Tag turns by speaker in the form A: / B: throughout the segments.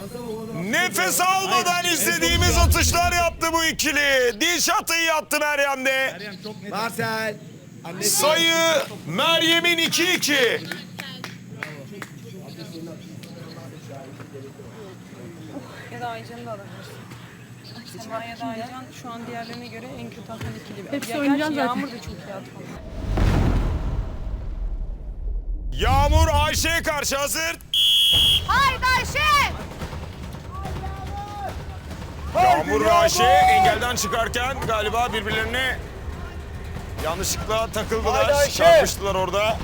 A: Nefes almadan izlediğimiz atışlar yaptı bu ikili. Dilşat iyi attı Meryem'de.
B: Marcel.
A: Sayı Meryem'in 2-2.
C: Ya da Aycan'ı da alabilirsin. Sema ya da Aycan şu an diğerlerine göre en kötü atan ikili.
D: Hepsi
C: Ya
D: oynayacak
C: gerçi
D: zaten.
C: Yağmur da çok iyi atmadı.
A: Yağmur Ayşe'ye karşı hazır.
D: Haydi Ayşe!
A: Yağmur ve Ayşe engelden çıkarken galiba birbirlerine yanlışlıkla takıldılar. Çarpıştılar orada.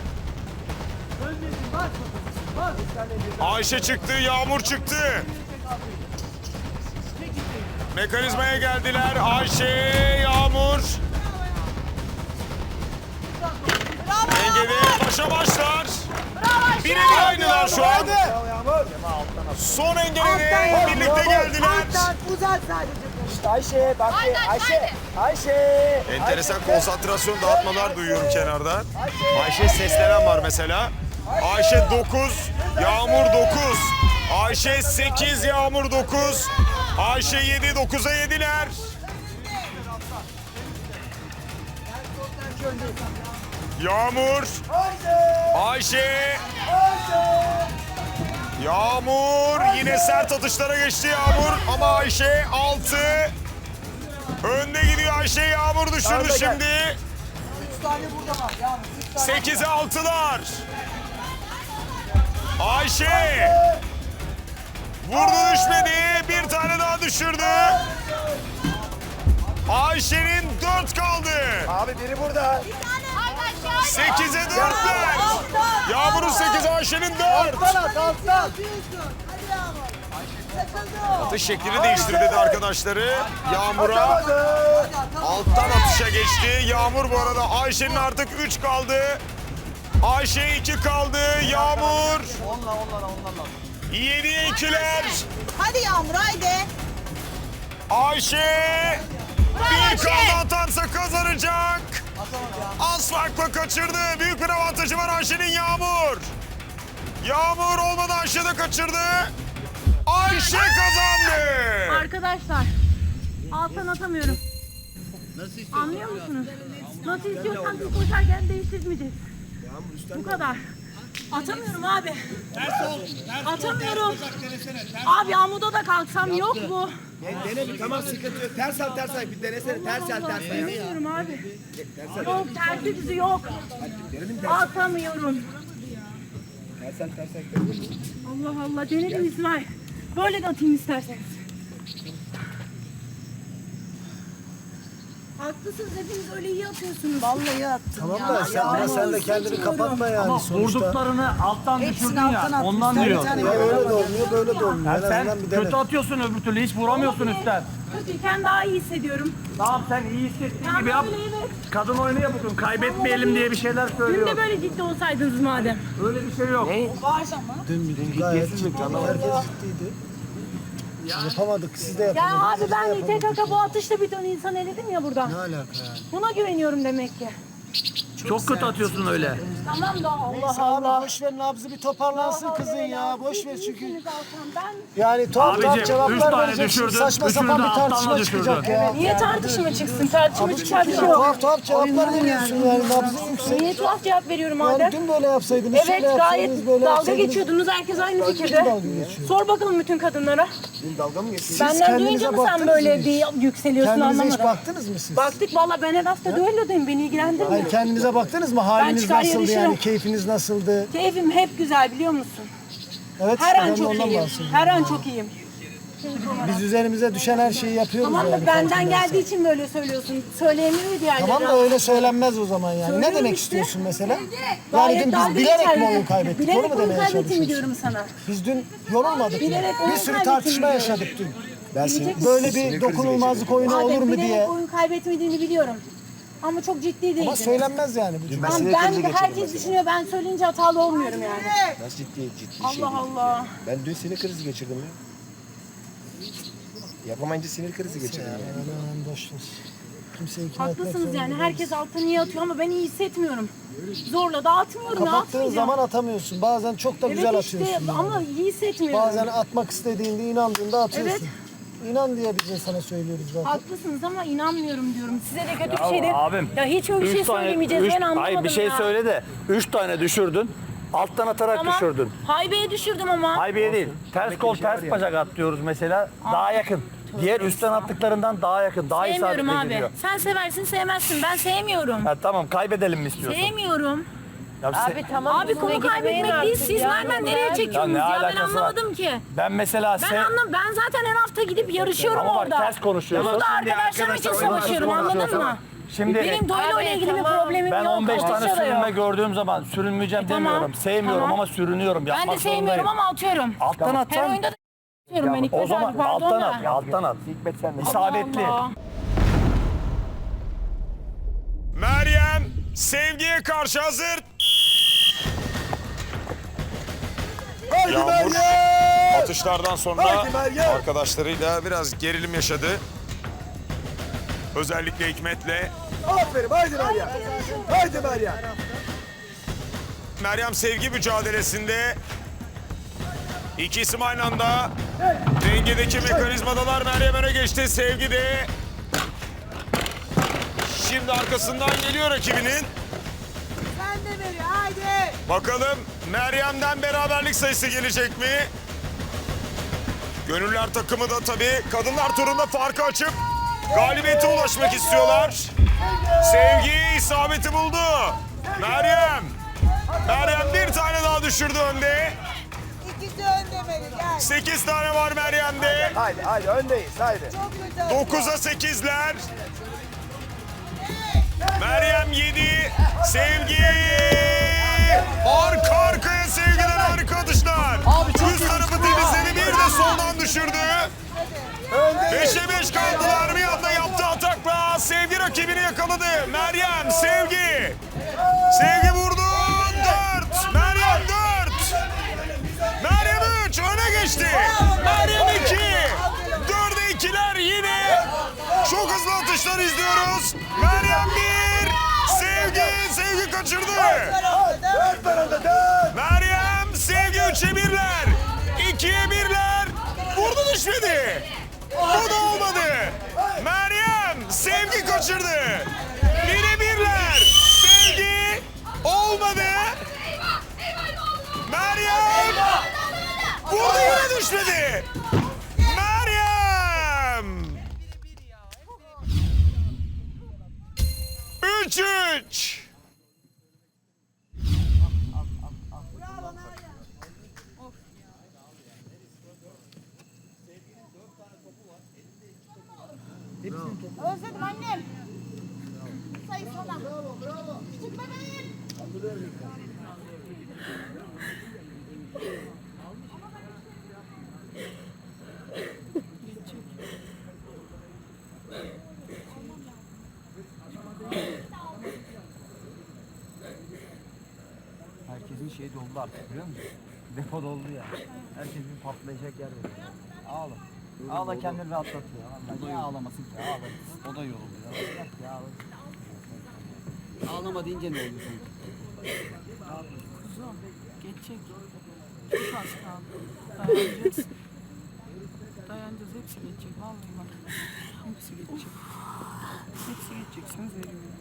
A: Ayşe çıktı, Yağmur çıktı. Mekanizmaya geldiler. Ayşe, Yağmur. Dengede başa başlar. Birebir aynılar şu an. Son engelede birlikte geldiler.
B: Uzat sadece. İşte Ayşe bak. Ayşe. Ayşe.
A: Enteresan konsantrasyon dağıtmalar duyuyorum kenardan. Ayşe seslenen var mesela. Ayşe 9, Yağmur 9. Ayşe 8, Yağmur 9. Ayşe 7, 9'a 7'ler. Yağmur, Ayşe, Yağmur yine sert atışlara geçti Yağmur ama Ayşe 6. Önde gidiyor Ayşe, Yağmur düşürdü şimdi.
B: 3 tane burada var. Yağmur.
A: 8'e 6'lar. Ayşe. Vurdu düşmedi. Bir tane daha düşürdü. Ayşe'nin 4 kaldı.
B: Abi biri burada.
A: 8'e 4'ler. Yağmur'un 8, Ayşe'nin 4.
B: Alttan.
A: Atış şeklini değiştir dedi arkadaşları. Yağmur'a alttan atışa geçti. Yağmur bu arada Ayşe'nin artık 3 kaldı. Ayşe 2 kaldı. Yağmur. 7'ye 2'ler.
D: Hadi Yağmur haydi.
A: Ayşe. Bir kaldı atansa kazanacak. Az farkla kaçırdı. Büyük bir avantajı var Ayşe'nin Yağmur. Yağmur olmadı, Ayşe de kaçırdı. Ayşe kazandı.
D: Arkadaşlar alttan atamıyorum. Anlıyor musunuz? Nasıl istiyorsan biz koşarken değiştirmeyeceğiz. Bu kadar. Atamıyorum abi. Atamıyorum. Abi amuda da kalksam yok bu.
B: Dene bir tamam sıkıntı yok. Ters al. Bir denesene. Ters al.
D: Atamıyorum abi. Yok tersi düzü yok. Atamıyorum.
B: Ters al.
D: Allah Allah denedim İsmail. Böyle de atayım isterseniz. Haklısınız hepiniz öyle iyi atıyorsunuz. Vallahi attım.
E: Tamam da sen, ama sen de kendini kapatma yani sonuçta.
F: Vurduklarını alttan düşürdün ya.
D: alttan
F: Ondan
D: attım.
F: diyor.
E: Ya öyle de olmuyor, böyle de olmuyor. En
F: Sen
E: azından bir dene.
F: kötü atıyorsun öbür türlü. Hiç vuramıyorsun üstten.
D: Kötüyken daha iyi hissediyorum.
F: Tamam sen iyi hissettiğin gibi yap.
D: Böyle evet.
F: Kadın oyunu yapıyorsun. Kaybetmeyelim diye bir şeyler
D: Dün
F: söylüyor.
D: de böyle ciddi olsaydınız madem.
F: Öyle bir şey yok.
E: Dün gayet ciddi. Herkes ciddiydi. Yapamadık, siz de
D: Ya
E: yapamadınız.
D: abi ben İTKK bu atışla bir ton insan eledim ya buradan.
E: Ne alaka yani?
D: Buna güveniyorum demek ki.
F: Çok kötü atıyorsun öyle.
D: Tamam da Allah
E: Neyse
D: Allah.
E: abi boş ver, nabzı bir toparlansın kızın ya. Boş ver çünkü.
D: Değilsiniz Altan, Ben
E: Yani tuhaf
F: Abicim, üç
E: cevaplar
F: tane
E: vereceksin.
F: düşürdün,
E: Saçma
F: üçünü
E: sapan
F: de
E: bir
F: alttan
E: tartışma
F: da
E: çıkacak
F: düşürdün.
E: ya.
D: niye tartışma çıksın? Tartışma çıkar bir şey yok.
E: Tuhaf cevaplar veriyorsun yani, nabzı yüksek.
D: Niye tuhaf cevap veriyorum
E: Yani
D: madem?
E: dün böyle yapsaydınız,
D: Evet
E: şöyle
D: gayet
E: yapsaydınız, böyle
D: dalga
E: yapsaydınız.
D: geçiyordunuz. Herkes aynı
E: Kim
D: fikirde.
E: dalga geçiyor?
D: Sor bakalım bütün kadınlara.
E: Dün dalga mı geçiyorsunuz?
D: Benden duyunca mı sen böyle bir yükseliyorsun
E: Kendinize hiç
D: anlamadım.
E: baktınız mı siz?
D: Baktık valla ben her hafta düellodayım. Beni ilgilendirmiyor.
E: Hayır, kendinize baktınız mı? Haliniz
D: çıkar
E: nasıldı
D: yarışırım.
E: yani? Keyfiniz nasıldı?
D: Keyfim hep güzel biliyor musun?
E: Evet,
D: Her
E: ben
D: an
E: de
D: çok
E: ondan
D: iyiyim.
E: bahsediyorum.
D: Her an çok iyiyim.
E: Biz üzerimize düşen her şeyi yapıyoruz
D: Tamam
E: yani.
D: da benden
E: farkındaysan.
D: geldiği için böyle söylüyorsun. Söyleyemiyor diğerleri.
E: Tamam da öyle söylenmez o zaman yani.
D: Söylüyorum
E: Ne demek
D: işte.
E: istiyorsun mesela?
D: Gayet
E: Yani dün
D: dalga
E: biz bilerek
D: geçer
E: mi
D: bir de.
E: oyun kaybettik?
D: Bilerek
E: Onu mu
D: oyun
E: demeye
D: kaybettim
E: çalışıyorsun?
D: diyorum sana.
E: Biz dün yorulmadık mı?
D: Bilerek
E: Bir
D: oyun
E: sürü
D: kaybettim
E: tartışma
D: diyorum.
E: yaşadık dün.
D: Bilecek
E: Böyle
D: misin?
E: bir dokunulmazlık oyunu olur mu
D: Bilerek
E: diye.
D: oyun kaybetmediğini biliyorum. Ama çok ciddi değildi.
E: Ama söylenmez yani bu cümle.
D: Ben herkes düşünüyor ben söyleyince hatalı olmuyorum yani.
G: Nasıl ciddi
D: Allah Allah.
G: Ben dün sinir krizi geçirdim ya. Yapamayınca sinir krizi geçirdim yani.
E: Hemen boş ver. Kimseyi ikna etmek
D: Haklısınız
E: zorunda
D: yani.
E: değiliz.
D: Herkes altta niye atıyor ama ben iyi hissetmiyorum. Zorla da atmıyorum. Ne
E: Kapattığın
D: atmayacağım?
E: zaman atamıyorsun. Bazen çok da güzel
D: Evet işte
E: atıyorsun. yani.
D: ama iyi hissetmiyorum.
E: Bazen atmak istediğinde, inandığında atıyorsun.
D: Evet.
E: İnan diye biz de sana söylüyoruz zaten.
D: Haklısınız ama inanmıyorum diyorum. Size de kötü bir şey de.
F: Abim.
D: Ya hiç öyle bir şey söylemeyeceğiz. Ben anlamadım
F: Hayır bir şey
D: ya.
F: söyle de 3 tane düşürdün. Alttan atarak
D: Tamam.
F: düşürdün.
D: Haybeye düşürdüm ama.
F: Haybiye değil. Ters kol ters bacak at diyoruz mesela. Daha yakın. Diğer üstten attıklarından daha yakın. Daha
D: Sevmiyorum
F: isabetli
D: abi.
F: gidiyor.
D: Sen seversin sevmezsin. Ben sevmiyorum.
F: Ha, tamam kaybedelim mi istiyorsun?
D: Sevmiyorum.
F: Ya
H: Abi tamam.
D: Abi konu kaybetmek değil. Siz nereden nereye çekiyorsunuz
F: Ya ne
D: ya? Ben
F: alakası var?
D: anlamadım ki.
F: Ben mesela
D: Ben zaten her hafta gidip yarışıyorum
F: Ama bak
D: orada.
F: ters konuşuyorsun.
D: Burada arkadaşlarım için savaşıyorum anladın mı?
F: Şimdi
D: Benim doyla ile ilgili bir problemim
F: ben
D: yok.
F: 15 tane
D: atışa da
F: sürünme
D: yok.
F: gördüğüm zaman sürünmeyeceğim
D: Tamam,
F: demiyorum. Sevmiyorum
D: tamam.
F: ama sürünüyorum.
D: Ben
F: Yapmak
D: de sevmiyorum
F: zorundayım.
D: ama atıyorum.
F: Alttan
D: Her
F: atsan
D: oyunda da atıyorum ben
F: o
D: Hikmet
F: zaman
D: abi pardon
F: alttan
D: da.
F: at. Alttan at.
G: Hikmet sen de.
F: İsabetli.
D: Allah.
A: Meryem Sevgi'ye karşı hazır. Yağmur atışlardan sonra arkadaşlarıyla biraz gerilim yaşadı. Özellikle Hikmet'le.
B: Aferin haydi Meryem. Haydi Meryem.
A: Meryem Sevgi mücadelesinde iki isim aynı anda dengedeki mekanizmadalar. Meryem öne geçti. Sevgi de şimdi arkasından geliyor rakibinin.
B: Sen de Meryem haydi.
A: Bakalım Meryem'den beraberlik sayısı gelecek mi? Gönüller takımı da tabii kadınlar turunda farkı açıp galibiyete ulaşmak istiyorlar. Sevgi isabeti buldu. Meryem bir tane daha düşürdü önde.
B: İkisi önde Meryem gel.
A: 8 tane var Meryem'de.
G: Haydi öndeyiz haydi.
B: Çok güzel.
A: 9'a 8'ler. Meryem 7. Sevgi. Arka arkaya Sevgi'den harika atışlar. Üst tarafı temizledi. Bir de soldan düşürdü. 5'e 5 kaldılar. Bir anda yaptığı atakla Sevgi rakibini yakaladı. Meryem, Sevgi. Sevgi vurdu. 4. Meryem 4. Meryem 3. Öne geçti. Meryem 2. 4'e 2'ler yine. Çok hızlı atışlar izliyoruz. Meryem 1. Sevgi kaçırdı. Meryem, Sevgi 3'e 1'ler. 2'ye 1'ler. Vurdu düşmedi. Bu da olmadı. Meryem, Sevgi kaçırdı. 1'e 1'ler. Sevgi olmadı. Meryem vurdu yine düşmedi. Meryem. 3-3.
H: Özledim annem. Sayı sana. Küçük bebeğim.
I: Herkesin şeyi doldu artık biliyor musun? Depo doldu ya. Herkes bir patlayacak yer veriyor. Ağla. Ağla kendini rahatlatıyor. Vallahi niye ağlamasın ki? Ağla. O da yoruluyor. Bırak ya ağla. Ağlama deyince ne oluyor sanki?
C: Kuzum geçecek. Çok az kaldı. Dayanacağız. Dayanacağız. Hepsi geçecek. Vallahi bak. Hepsi geçecek. Hepsi geçecek. Söz veriyorum.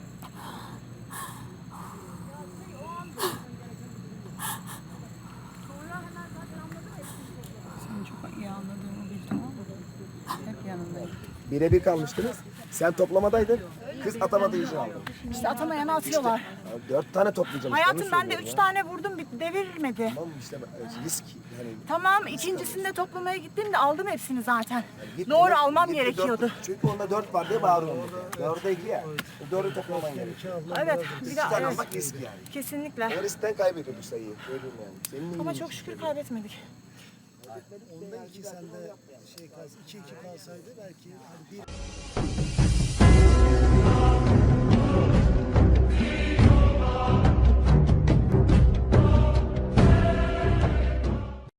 C: Seni çok iyi anladığımı bildim ama hep yanındayım.
G: Birebir kalmıştınız. Sen toplamadaydın. Kız atamadı işi aldı.
H: İşte atamayanı atıyorlar.
G: 4 tane toplayacağım.
H: Hayatım ben de 3 tane vurdum devirmedi.
G: Tamam işte risk. Yani
H: Tamam ikincisinde toplamaya gittim de aldım hepsini zaten.
G: git
H: Doğru
G: ona,
H: almam
G: git,
H: gerekiyordu.
G: Çünkü onda 4 var diye bağırıyorum. 4'e 2 ya. 4'ü toplaman gerekiyor.
H: Evet bir
G: 2
H: daha
G: tane
H: evet,
G: almak risk yani.
H: kesinlikle.
G: O riskten kaybediyor bu sayıyı. Söyleyeyim yani. Senin
H: Ama çok şükür kaybetmedik.
E: Onda 2 sende 2-2 kalsaydı belki hani bir